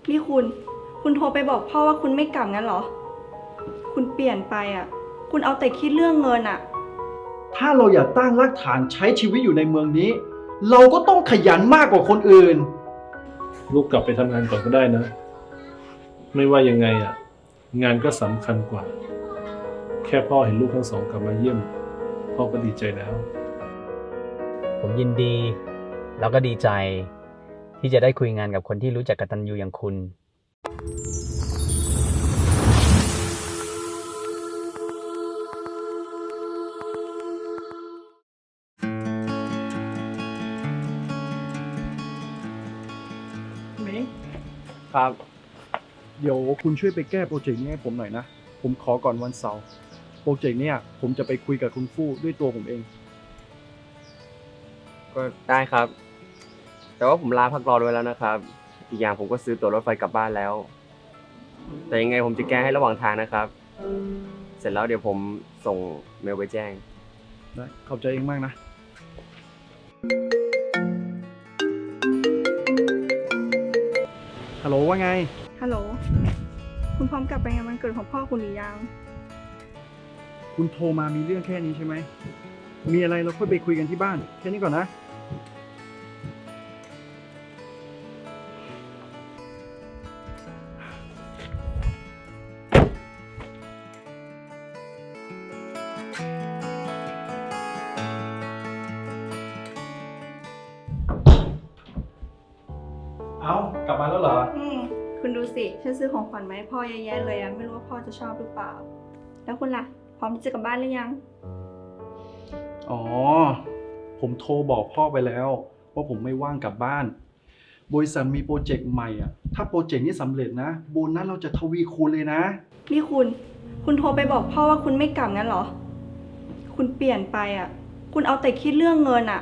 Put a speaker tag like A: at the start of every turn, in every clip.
A: นี่คุณโทรไปบอกพ่อว่าคุณไม่กลับงั้นเหรอคุณเปลี่ยนไปอ่ะคุณเอาแต่คิดเรื่องเงินอ่ะ
B: ถ้าเราอยากตั้งรากฐานใช้ชีวิตอยู่ในเมืองนี้เราก็ต้องขยันมากกว่าคนอื่น
C: ลูกกลับไปทำงานก่อนก็ได้นะไม่ว่ายังไงอ่ะงานก็สำคัญกว่าแค่พ่อเห็นลูกทั้งสองกลับมาเยี่ยมพ่อก็ดีใจแล้ว
D: ผมยินดีแล้วก็ดีใจที่จะได้คุยงานกับคนที่รู้จักกตัญญูอย่างคุณ
B: มิ้ง
D: ครับ
B: เดี๋ยวคุณช่วยไปแก้โปรเจกต์นี้ให้ผมหน่อยนะผมขอก่อนวันเสาร์โปรเจกต์เนี้ยผมจะไปคุยกับคุณฟู่ด้วยตัวผมเอง
E: ก็ได้ครับ แต่ว่าผมลาพักร้อนไว้แล้วนะครับ อีกอย่างผมก็ซื้อตั๋วรถไฟกลับบ้านแล้ว แต่ยังไงผมจะแก้ให้ระหว่างทางนะครับ เสร็จแล้วเดี๋ยวผมส่งเมลไปแจ้ง
B: ได้ขอบใจเองมากนะฮัลโหลว่าไง
A: ฮัลโหลคุณพร้อมกลับไปงานวันเกิดของพ่อคุณหรือยัง
B: คุณโทรมามีเรื่องแค่นี้ใช่ไหมมีอะไรเราค่อยไปคุยกันที่บ้านแค่นี้ก่อนนะเอากลับมาแล้วเหรอ
A: คุณดูสิฉันซื้อของขวัญมาให้พ่อเยอะแยะเลยอะไม่รู้ว่าพ่อจะชอบหรือเปล่าแล้วคุณล่ะพร้อมที่จะกลับบ้านหรือยัง
B: อ๋อผมโทรบอกพ่อไปแล้วว่าผมไม่ว่างกลับบ้านบริษัทมีโปรเจกต์ใหม่อ่ะถ้าโปรเจกต์นี้สำเร็จนะโบนัสเราจะทวีคูณเลยนะ
A: นี่คุณโทรไปบอกพ่อว่าคุณไม่กลับงั้นเหรอคุณเปลี่ยนไปอ่ะคุณเอาแต่คิดเรื่องเงินอ่ะ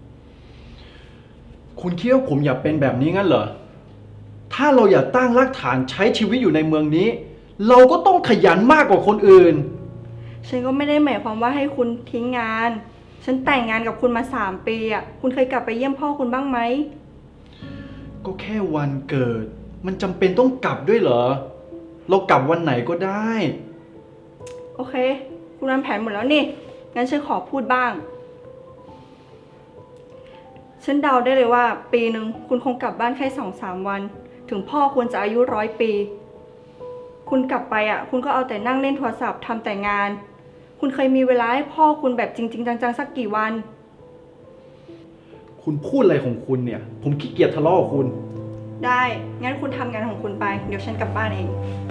B: คุณคิดว่าผมอยากเป็นแบบนี้งั้นเหรอถ้าเราอยากตั้งรากฐานใช้ชีวิตอยู่ในเมืองนี้เราก็ต้องขยันมากกว่าคนอื่น
A: ฉันก็ไม่ได้หมายความว่าให้คุณทิ้งงานฉันแต่งงานกับคุณมา3 ปีอ่ะคุณเคยกลับไปเยี่ยมพ่อคุณบ้างไหม
B: ก็แค่วันเกิดมันจำเป็นต้องกลับด้วยเหรอเรากลับวันไหนก็ได้
A: โอเคคุณวางแผนหมดแล้วนี่งั้นฉันขอพูดบ้างฉันเดาได้เลยว่าปีหนึ่งคุณคงกลับบ้านแค่2-3 วันถึงพ่อคุณจะอายุ100 ปีคุณกลับไปอ่ะคุณก็เอาแต่นั่งเล่นโทรศัพท์ทำแต่งานคุณเคยมีเวลาให้พ่อคุณแบบจริงๆจังๆสักกี่วัน
B: คุณพูดอะไรของคุณเนี่ยผมขี้เกียจทะเลาะกับคุณ
A: ได้งั้นคุณทำงานของคุณไปเดี๋ยวฉันกลับบ้านเอง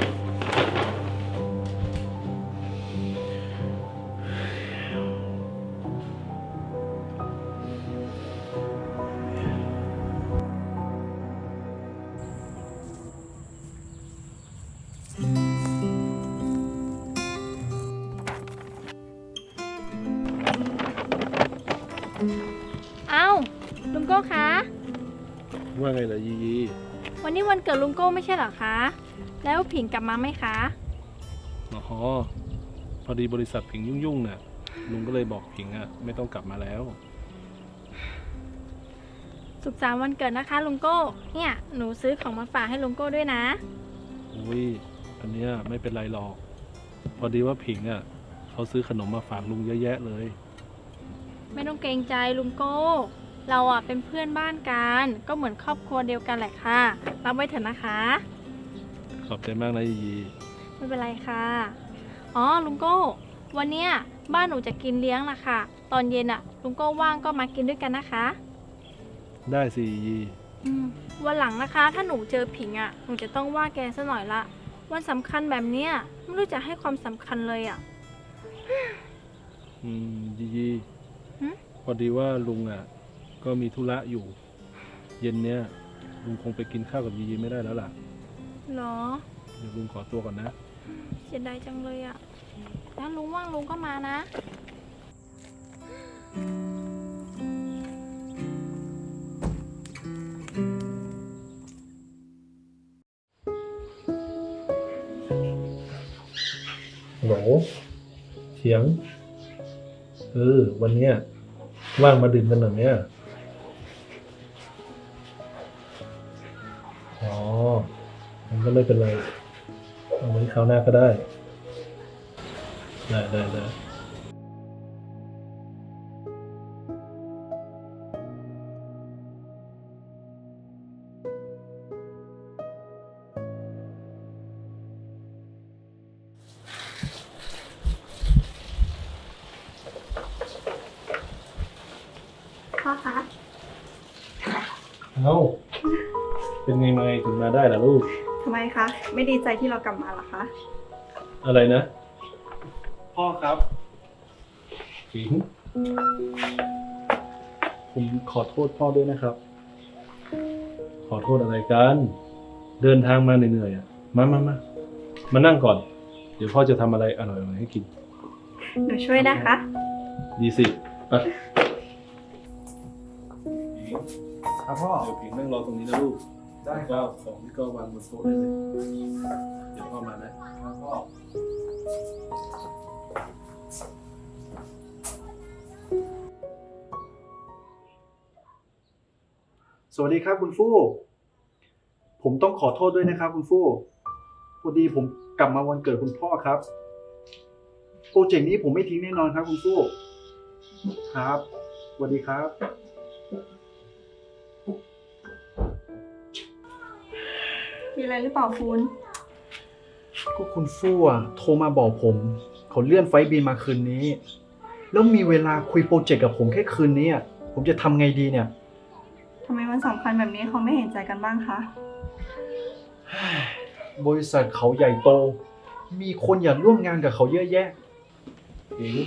F: เอ้าลุงโก้คะ
C: ว่าไงล่ะยียี
F: วันนี้วันเกิดลุงโก้ไม่ใช่เหรอคะแล้วผิงกลับมาไหมคะ
C: อ๋อพอดีบริษัทผิงยุ่งๆน่ะลุงก็เลยบอกผิงอ่ะไม่ต้องกลับมาแล้ว
F: สุขสันต์วันเกิดนะคะลุงโก้เนี่ยหนูซื้อของมาฝากให้ลุงโก้ด้วยนะ
C: อุ้ยอันเนี้ยไม่เป็นไรหรอกพอดีว่าผิงอ่ะเขาซื้อขนมมาฝากลุงเยอะแยะเลย
F: ไม่ต้องเกรงใจลุงโก้เราอ่ะเป็นเพื่อนบ้านกันก็เหมือนครอบครัวเดียวกันแหละค่ะรับไว้เถอะนะคะ
C: ขอบใจมากนะยียี
F: ไม่เป็นไรค่ะอ๋อลุงโก้วันเนี้ยบ้านหนูจะกินเลี้ยงนะคะตอนเย็นอ่ะลุงโก้ว่างก็มากินด้วยกันนะคะ
C: ได้สิยียี
F: วันหลังนะคะถ้าหนูเจอผิงอ่ะหนูจะต้องว่าแกซะหน่อยละวันสำคัญแบบเนี้ยไม่รู้จะให้ความสำคัญเลยอ่ะ
C: ยียีพอดีว่าลุงอ่ะก็มีธุระอยู่เย็นเนี้ยลุงคงไปกินข้าวกับยียีไม่ได้แล้วล่ะ
F: หรอ
C: เดี๋ยวลุงขอตัวก่อนนะ
F: เสียดายจังเลยอ่ะถ้าลุงว่างลุงก็มานะ
C: โหลเสียงวันเนี้ยว่างมาดื่มกันหน่อยเนี่ยอ๋อก็ไม่เป็นไรเอาไว้คราวหน้าก็ได้ ได้
A: พ่อคะ
C: เอ้า เป็นไงมาถึงมาได้ล่ะลูก
A: ทำไมคะ ไม่ดีใจที่เรากลับมาเหรอคะ
C: อะไรนะ
B: พ่อครับ
C: ผิง
B: ผมขอโทษพ่อด้วยนะครับ
C: ขอโทษอะไรกัน เดินทางมาเหนื่อยๆอ่ะ มานั่งก่อน เดี๋ยวพ่อจะทำอะไรอร่อยๆให้กิน
A: หนูช่วยนะคะ
C: ดีสิไปผิง
B: ครับพ่อ
C: เดี๋ยวผิงนั่งรอตรงนี้นะลูก
B: ได้ค
C: ก็
B: รับ
C: ของที่ก็วางบนโต๊ะได้เลย เดี๋ยวพ่อมานะ
B: ครับพ่อ สวัสดีครับคุณฟู่ ผมต้องขอโทษด้วยนะครับคุณฟู่ พอดีผมกลับมาวันเกิดคุณพ่อครับ โปรเจกต์นี้ผมไม่ทิ้งแน่นอนครับคุณฟู่ ครับ สวัสดีครับ
A: มีอะไรหรือเปล่าคุณ
B: ก็คุณฟู่อะโทรมาบอกผม เขาเลื่อนไฟล์บินมาคืนนี้ แล้วมีเวลาคุยโปรเจกต์กับผมแค่คืนนี้อะผมจะทำไงดีเนี่ย
A: ทำไมวันสำคัญแบบนี้เขาไม่เห็นใจกันบ้างคะ
B: บริษัทเขาใหญ่โต มีคนอยากร่วมงานกับเขาเยอะแยะ
C: ผิง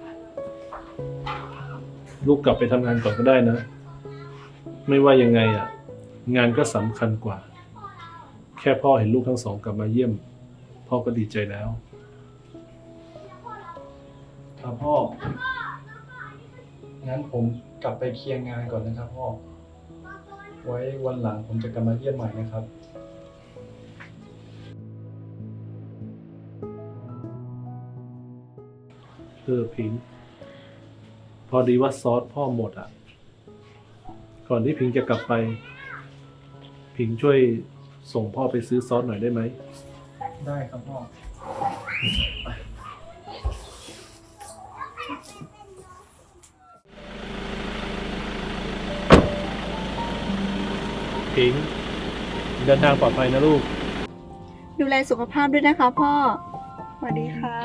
C: ลูกกลับไปทำงานก่อนก็ได้นะ ไม่ว่ายังไงอ่ะ งานก็สำคัญกว่า แค่พ่อเห็นลูกทั้งสองกลับมาเยี่ยม พ่อก็ดีใจแล้ว
B: ครับพ่อ งั้นผมกลับไปเคลียร์งานก่อนนะครับพ่อ ไว้วันหลังผมจะกลับมาเยี่ยมใหม่นะครับ
C: ผิง พอดีว่าซอสพ่อหมดอ่ะ ก่อนที่ผิงจะกลับไป ผิงช่วยส่งพ่อไปซื้อซอสหน่อยได้ไหม
B: ได้ครับพ่อ
C: ผิง เดินทางปลอดภัยนะลูก
A: ดูแลสุขภาพด้วยนะคะพ่อ สวัสดีค่ะ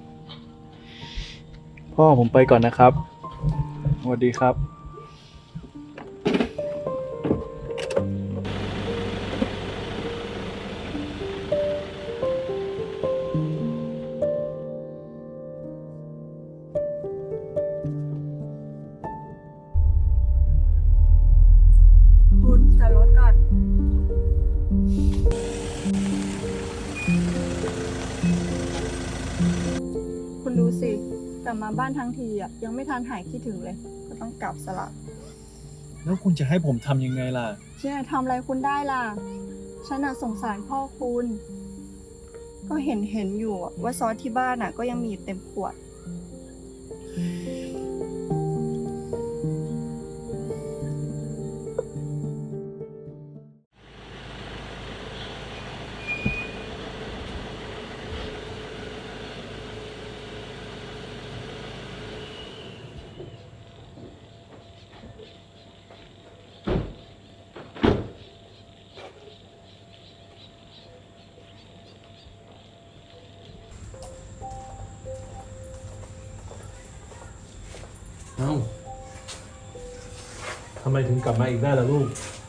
B: พ่อผมไปก่อนนะครับ สวัสดีครับ
A: คุณจอดรถก่อน คุณดูสิกลับมาบ้านทั้งทีอ่ะยังไม่ทันหายคิดถึงเลย ก็ต้องกลับสละ
B: แล้วคุณจะให้ผมทำยังไงล่ะ
A: ฉันจะทำอะไรคุณได้ล่ะ ฉันน่ะสงสารพ่อคุณ ก็เห็นอยู่อะว่าซอสที่บ้านน่ะ ก็ยังมีอยู่เต็มขวด
C: เอ้า ทำไมถึงกลับมาอีกได้ล่ะลูก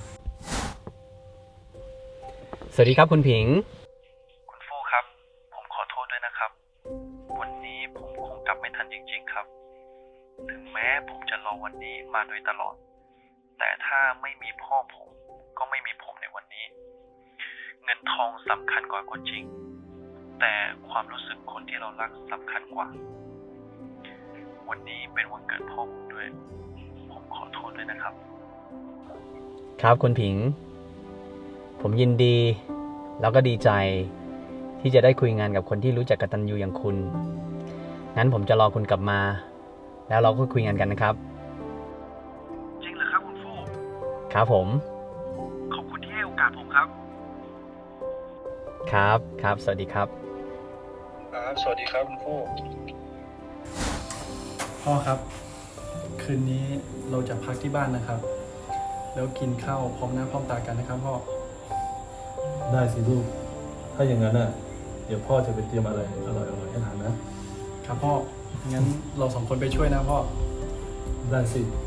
D: สวัสดีครับคุณผิง
B: คุณฟู่ครับ ผมขอโทษด้วยนะครับ วันนี้ผมคงกลับไม่ทันจริงๆครับ ถึงแม้ผมจะรอวันนี้มาโดยตลอด แต่ถ้าไม่มีพ่อผมก็ไม่มีผมในวันนี้ เงินทองสำคัญกว่าก็จริง แต่ความรู้สึกคนที่เรารักสำคัญกว่า วันนี้เป็นวันเกิดพ่อผมด้วย ผมขอโทษด้วยนะครับ
D: ครับคุณผิง ผมยินดีแล้วก็ดีใจ ที่จะได้คุยงานกับคนที่รู้จักกตัญญูอย่างคุณ งั้นผมจะรอคุณกลับมา แล้วเราก็คุยงานกันนะครับ
B: จริงเหรอครับคุณฟู่
D: ครับผม
B: ขอบคุณที่ให้โอกาสผมครับ
D: ครับครับ สวัสดีครับ
B: ครับ สวัสดีครับคุณพ่อพ่อครับ คืนนี้เราจะพักที่บ้านนะครับ แล้วกินข้าวพร้อมหน้าพร้อมตากันนะครับพ่อ
C: ได้สิลูก ถ้าอย่างนั้นน่ะ เดี๋ยวพ่อจะไปเตรียมอะไรอร่อยๆให้ทานนะ
B: ครับพ่อ งั้นเราสองคนไปช่วยนะพ่อ
C: ได้สิ
B: ค